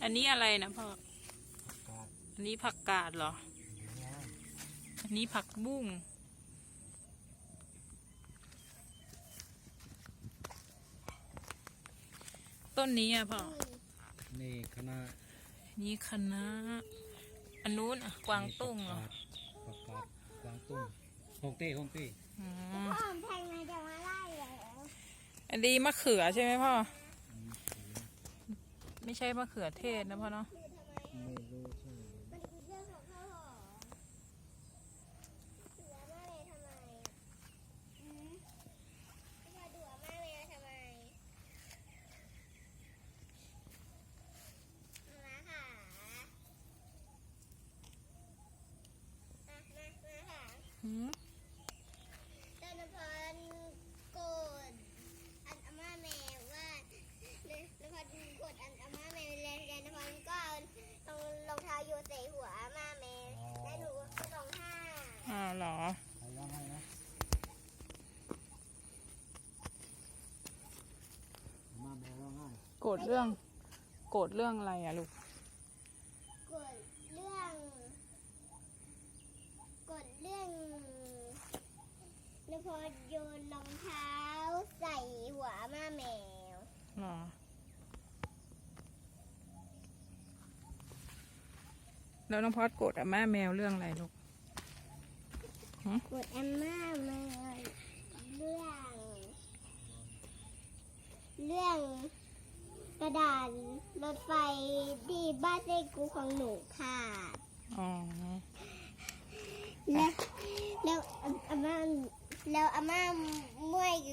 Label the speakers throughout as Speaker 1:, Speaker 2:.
Speaker 1: อันนี้อะไรนะพ่ออันนี้ผักกาดเหรออันนี้ผักบุ้งต้นนี้อ่ะพ่อ
Speaker 2: นี่คณะ
Speaker 1: นี่คณะอันนู้นอ่ะกวางตุ้งเหรอ
Speaker 2: ผักกาดกวางตุ้งฮ่องเต้
Speaker 3: พ่อแทงมาจะมาไล่เหรอ
Speaker 1: อันนี้มะเขือใช่ไหมพ่อไม่ใช่มะเขือเทศนะพ่อเนาะ
Speaker 2: ไม่รู้ใช่
Speaker 3: มันคือเรื่องของข้าวหอมดูอาม่าเมย์ทำไมพ่อดูอาม่าเมย์ทำไมมาค่ะมาค่ะตอนนพรโกดอันอาม่าแมวว่านพรกดอันอาม่าแมวแล้วนพรก็เอารองเท้าโยนใส่หัวอาม่าแมวแล้วหนูก็ร้องไห้
Speaker 1: เหรอ
Speaker 2: ใครร้องไห้นะมาแม่ร้องไห้
Speaker 1: โกรธเรื่องอะไรอะลูก
Speaker 3: กดเรื่องนพรโยนรองเท้าใส่หัวอาม่าแมว
Speaker 1: เหรอแล้วน้องพอดโกรธอาม่าแมวเรื่องอะไรลูก
Speaker 3: กดอาม่าแมวเรื่องกระดาษรถไฟที่บ้านเจ๊กูของหนูค่ะ
Speaker 1: อ๋อ
Speaker 3: แล้วอาม่าเมื่อย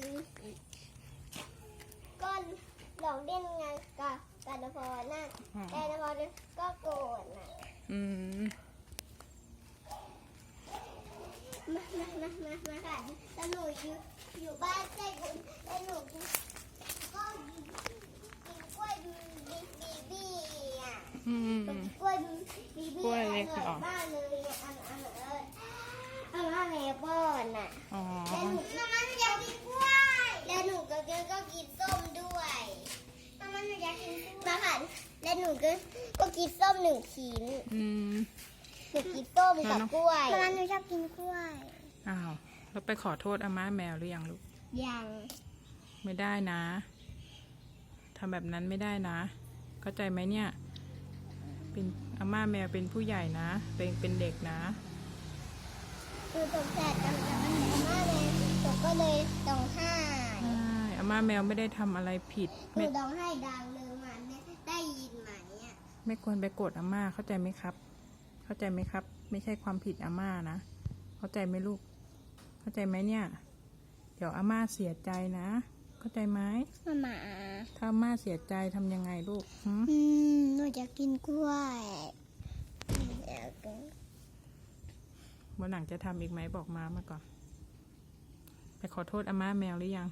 Speaker 3: ก็หลอกเล่นงานกับนพรนะแต่นพรก็โกรธนะมาค่ะแล้วหนูอยู่บ้านเจ๊กูแล้วหนูก็กินกล้วยบีบี้อ่ะกล้วยบีบี้อร่อยมากเลยอาม่าแม่ป้อนอ่ะแล้วหนูอยากกินกล้วยแล้วหนูก็กินส้มด้วยอาม่าหนูอยากกินมาค่ะแล้วหนูก็กินส้ม1 ชิ้นหนูกินส้มกับกล้วยอาม่าหนูชอบกินกล้วย
Speaker 1: อ้าวแล้วไปขอโทษอาม่าแมวหรือยังลูก
Speaker 3: ยัง
Speaker 1: ไม่ได้นะทำแบบนั้นไม่ได้นะเข้าใจไหมเนี่ยเป็นอาม่าแมวเป็นผู้ใหญ่นะเป็นเด็กนะ
Speaker 3: คือตกใจกับอาม่าแมวตกก็เลยร้องไห้
Speaker 1: อาม่าแมวไม่ได้ทำอะไรผิด
Speaker 3: คือร้องไห้ดังเลยมันได้ยินไหมอ่ะ
Speaker 1: ไม่ควรไปโกรธอาม่าเข้าใจไหมครับเข้าใจไหมครับไม่ใช่ความผิดอาม่านะเข้าใจไหมลูกเข้าใจไหมเนี่ยเดี๋ยวอาม่าเสียใจนะเข้าใจไหม
Speaker 3: มา
Speaker 1: ถ้าอาม่าเสียใจทำยังไงลูก
Speaker 3: หนูจะกินกล้วย
Speaker 1: วันหลังจะทำอีกไหมบอกมาก่อนไปขอโทษอาม่าแมวหรือยัง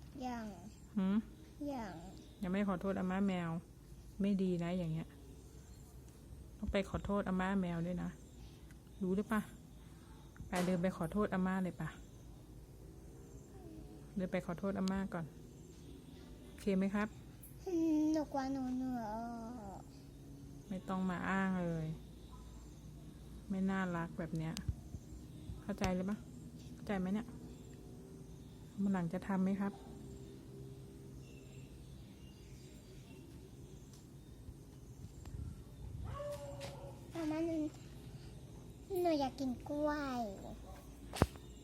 Speaker 1: ยังไม่ขอโทษอาม่าแมวไม่ดีนะอย่างเงี้ยต้องไปขอโทษอาม่าแมวด้วยนะรู้หรือปะไปเดินไปขอโทษอาม่าเลยปะเดินไปขอโทษอาม่าก่อนโอเคไหมครับ
Speaker 3: หนูกว่าหนูเหนื่อย
Speaker 1: ไม่ต้องมาอ้างเลยไม่น่ารักแบบเนี้ยเข้าใจเลยปะเข้าใจไหมเนี่ยมันหลังจะทำไหมครับ
Speaker 3: อาม่าหนูอยากกินกล้วย